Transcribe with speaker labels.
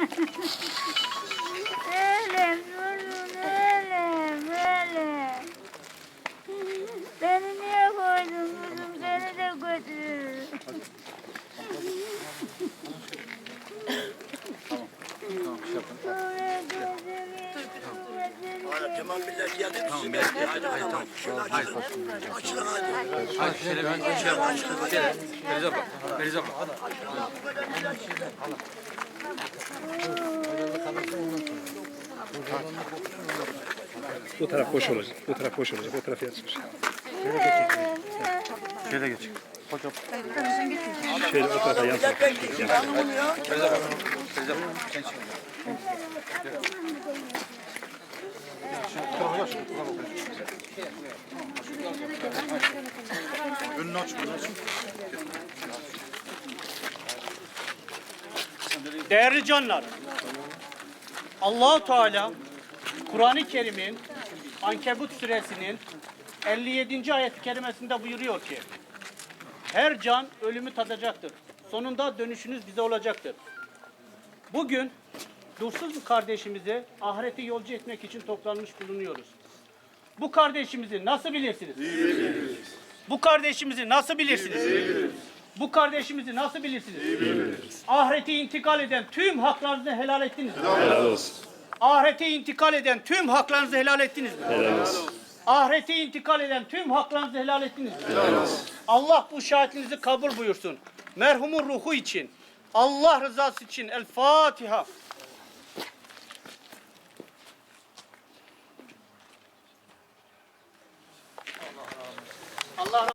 Speaker 1: Ölüm, ölüm, ölüm. Beni niye koydun kızım? Seni de götür.
Speaker 2: Tamam millet geldi bizi bekliyor. Hadi bakalım. Açılın hadi.
Speaker 3: Hadi Feriz abla. Feriz abla.
Speaker 4: Bu taraf boş olacak. Bu taraf boş olacak. O taraf yazmış.
Speaker 3: Şöyle geç.
Speaker 4: Şöyle o tarafa yansın.
Speaker 2: Millet bekliyor. Anlamını ya.
Speaker 3: Feriz abla. Feriz abla. Sen çık. Önünü aç. Önünü aç.
Speaker 5: Değerli canlar, Allah-u Teala Kur'an-ı Kerim'in Ankebut suresinin 57. ayet-i kerimesinde buyuruyor ki her can ölümü tadacaktır. Sonunda dönüşünüz bize olacaktır. Bugün dursuz bir kardeşimizi ahirete yolcu etmek için toplanmış bulunuyoruz. Bu kardeşimizi nasıl bilirsiniz? Bu kardeşimizi nasıl bilirsiniz? Bu kardeşimizi nasıl bilirsiniz? Ahirete intikal eden tüm haklarınızı helal ettiniz mi?
Speaker 4: Helal olsun.
Speaker 5: Ahirete intikal eden tüm haklarınızı helal ettiniz mi?
Speaker 4: Helal olsun.
Speaker 5: Ahirete intikal eden tüm haklarınızı helal ettiniz mi?
Speaker 4: Helal olsun.
Speaker 5: Allah bu şahitliğinizi kabul buyursun. Merhumun ruhu için, Allah rızası için. El Fatiha. Allah